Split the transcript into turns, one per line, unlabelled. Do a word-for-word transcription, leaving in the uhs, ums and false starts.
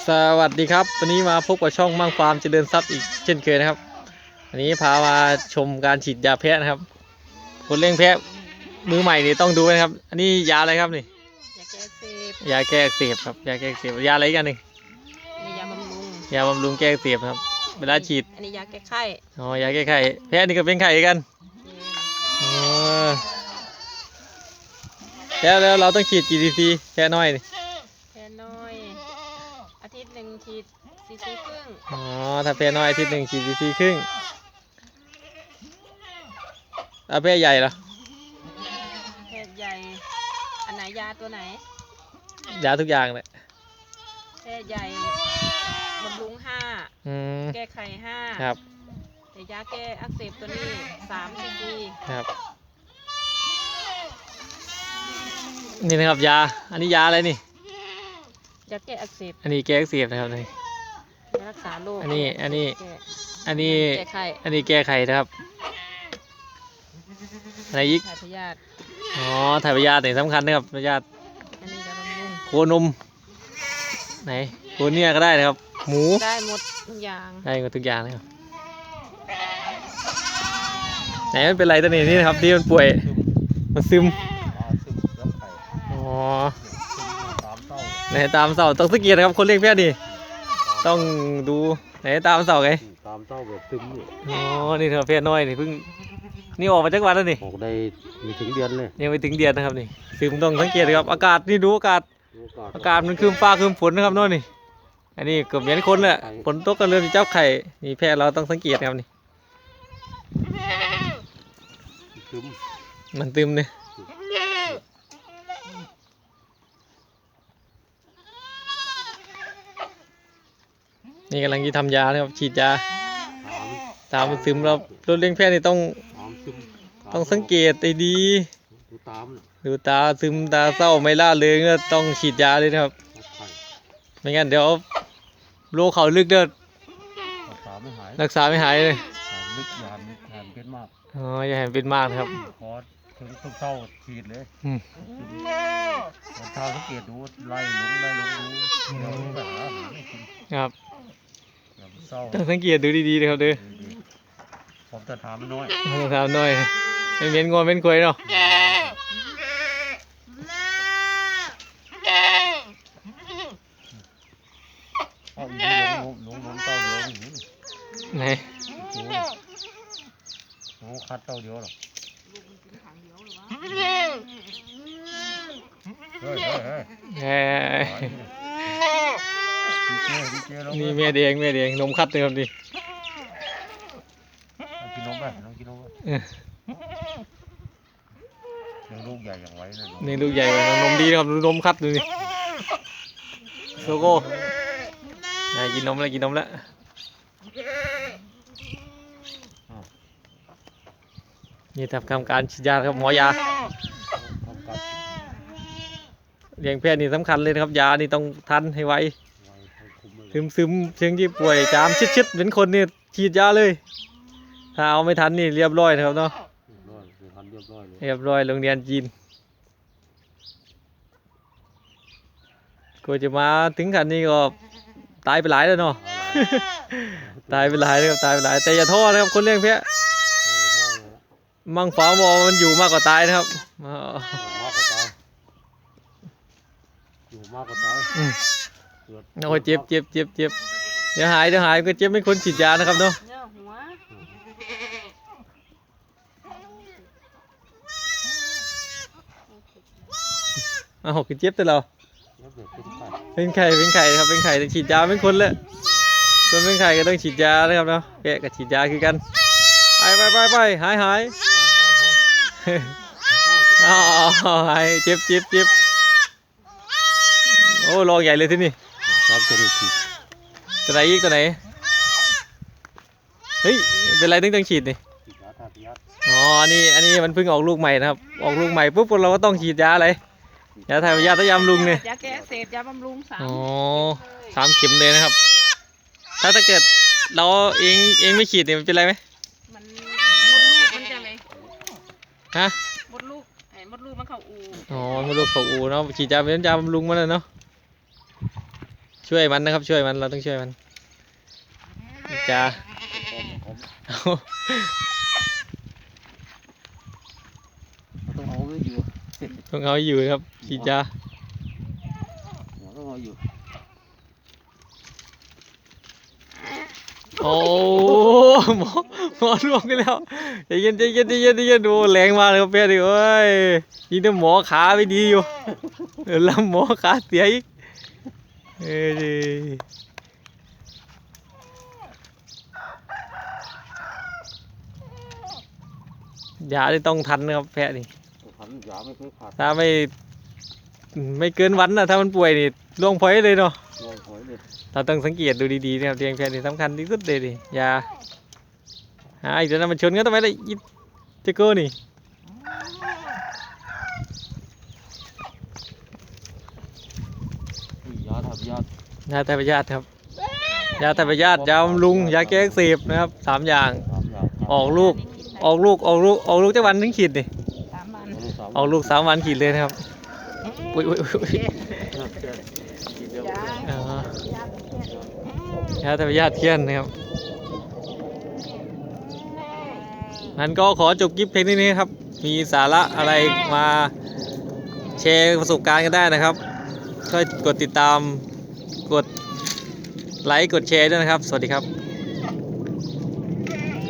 สวัสดีครับวันนี้มาพบกับช่องมั่งฟาร์มเจริญทรัพย์อีกเช่นเคยนะครับวันนี้พามาชมการฉีดยาแพะนะครับคนเลี้ยงแพะมือใหม่นี่ต้องดูนะครับอันนี้ยาอะไรครับนี่
ยาแก้อักเสบ
ยาแก้อักเสบครับยาแก้อักเสบยาอะไรกันหนึ่ง
นี่ยาบำรุง
ยาบำรุงแก้อักเสบครับเวลาฉีด
อันนี้ยาแก้ไข้
อ๋อยาแก้ไข้แพะนี่ก็เป็นไข้กันอ๋อแล้วแล้วเราต้องฉีดกี่ซีซีแพะน้อยนี่
แพน้อยอาทิตย์หนึ่งฉีดซีซีครึ่ง
อ๋อถ้าแพะน้อยอาทิตย์หนึ่งฉีดซีซีครึ่งแล้วแพะใหญ่เหรอ
แพใหญ่อันไหนยาตัวไหน
ยาทุกอย่างเลย
แพใหญ่บำรุงห้าแก้ไขห้า
ครับ
แต่ยาแก้อักเสบตัวนี้สามซีซี
ครับนี่นะครับยาอันนี้ยาอะไรนี่
ยาแก้อักเสบ
อันนี้แก้อักเสบนะครับนี่
ยารักษาโรค
อันนี้อันนี้อันนี้
แก้ไข้
อันนี้แก้ไขนะครับอะไรอีก
ถ่ายพยาธิ
อ๋อถ่ายพยาธิเนี่ยสำคัญนะครับพยาธิ
อันนี้ยาบำรุง
โคนมไหนโคเนียก็ได้นะครับหมู
ได้หมดทุกอย่าง
ได้หมดทุกอย่างนะครับไหนมันเป็นไรตัวนี้นี่นะครับที่มันป่วยมันซึมอ๋อไหนตามเสาต้องสังเกตนะครับคนเลี้ยงแพะดิต้องดูไหนตามเสาไง
ตามเสาแบบซึมนี่
อ๋อนี่เธอแพะน้อยนี่เพิ่งนี่ออกมาจากวันแล้วนี่
ออกได้ไม่ถึงเดือนเลย
ยังไม่ถึงเดือนนะครับนี่ซึมต้องสังเกตครับอากาศนี่ดูอากาศอากาศมันคืมฟ้าคืมฝนนะครับโน่นนี่อันนี้เกือบเหมือนคนเลยฝนตกกันเริ่มจะจับไข่นี่แพะเราต้องสังเกตครับนี่มันตึมเนี่ยนี่กำลังจะทำยานะครับฉีดยาตามมันซึมเรารถเลี้ยงแพะนี่ต้องต้องสังเกตให้ดีดูตาซึมตาเศร้าไม่ล่าเริงก็ต้องฉีดยาเลยนะครับไม่งั้นเดี๋ยวโรคเขาลึกเด้อรักษาไม่หายเลย
ลึกยาแหนเป็นมาก
อ๋ออย่าแหนเป็นมากครับ
คอถึงต้องเศร้าฉีดเลยวันเช้าสังเกตดูไล่ลงไล่ลงดูเดี๋ยวไปหาอาหารให้กิน
ครับต้องสังเกตดูดีๆเลยครับเด้อ
ผมจะถามน้อย
ถามน้อยไม่เม้นงอนเม้นคุยเนาะ
เอาอีกลงลงลงเต้าเดียวนี่
ไหน
โอ้คัดเต้าเดียวหรอเฮ้ยเฮ้ย
นี่แม่แดงแม่แดงนมคัดเลยครับดิ
กินนมไปน้องกินนมไปยังลูกใหญ่อย่างไว้เลย
นี่ลูกใหญ่เลยนมดีนะครับนมคัดดูนี่โซโก้กินนมแล้วกินนมแล้วนี่ทำการฉีดยาครับหมอยาเลี้ยงแพะนี่สำคัญเลยนะครับยานี่ต้องทันให้ไวซึมซึมเชิงที่ป่วยจามชิดๆเป็นคนนี่ฉีดยาเลยถ้าเอาไม่ทันนี่เรียบร้อยนะครับเนาะเรียบร้อยโรงเรียนจีนก็จะมาถึงขั้นนี้ก็ตายไปหลายแล้วเนาะตายไปหลายนะครับตายไปหลายแต่อย่าท้อนะครับคนเลี้ยงแพะมั่งฟ้ามอมันอยู่มากกว่าตายนะครับ
อยู่มากกว่าตาย
โอ้ยเจ็บเจ็บเจ็บเจ็บเดี๋ยวหายเดี๋ยวหายก็เจ็บไม่คนฉีดยานะครับเนาะอ้าวคือเจ็บแต่เราเป็นไข่เป็นไข่ครับเป็นไข่ต้องฉีดยาเป็นคนเลยคนเป็นไข่ก็ต้องฉีดยานะครับเนาะแกะกับฉีดยาคือกันไปไปไปไปหายหายอ๋อหายเจ็บเจ็บเจ็บโอ้ลองใหญ่เลยที่นี่
ครับตัวนี้ฉีด
ตัวไหนอีกตัวไหนเฮ้ยเป็นไรต้องต้องฉีดนี่อ๋ออันนี้อันนี้มันเพิ่งออกลูกใหม่นะครับออกลูกใหม่ปุ๊บเราก็ต้องฉีดยาอะไรยาถ่ายพยาธิยาบำรุงเนี่ย
ยาแก้อักเสบยาบำรุงสาม
อ๋อสามเข็มเลยนะครับถ้าถ้าเกิดเราเองเองไม่ฉีดเนี่ยมันเป็นไรไหม
มันมดลูกมันจะไหม
ฮะ
มดลูกไอ้มดลูกมันเข้าอู
อ๋อมดลูกเข้าอูเนาะฉีดยาเป็นยาบำรุงมาเลยเนาะช่วยมันนะครับช่วยมันเราต้องช่วยมันจ้าเอา
ต้องเอาไว้อยู่
ต้องเอาอยู่ครับฉีดยา
ต้องเอาอยู่
โอ้หมอหมอล่วงไปแล้วใจเย็นใจเย็นใจเย็นใจเย็นดูแรงมากเลยครับเพื่อนดิเอ้ยยิงแต่หมอขาไม่ดีอยู่เออแล้วหมอขาเสียอีกเอ้ยยาที่ต้องทันนะครับแพะนี่
พันยาไม่เคยขาด
ถ้าไม่ไม่เกินวันนะถ้ามันป่วยนี่ล่วงพ้อยเลยเนาะ
ลอยหอยเลย
เราต้องสังเกตดูดีๆนะครับเลี้ยงแพะนี่สำคัญที่สุดเลยดิยาหาอีกแล้วนะมันชนกันทำไมล่ะอีเจโก้นี่
ยาทำยาย
าไทยพยาธิครับยาไทยพยาธิยาบำรุงยาแก้อักเสบนะครับสามอย่าง
สามอย่าง
ออกลูกออกลูกออกลูกออกลูกจะวันถึงขีดนี่
สามวัน
ออกลูกสามวันขีดเลยนะครับอุ้ยอุ้ยอุ้ย
ยา
อ๋อย
าเป็นแค่
ยาไทยพยาธิเทียนนะครับนั้นก็ขอจบคลิปเพลงนี้ครับมีสาระอะไรมาแชร์ประสบการณ์กันได้นะครับช่วยกดติดตามกดไลค์กดแชร์ด้วยนะครับสวัสดีครับ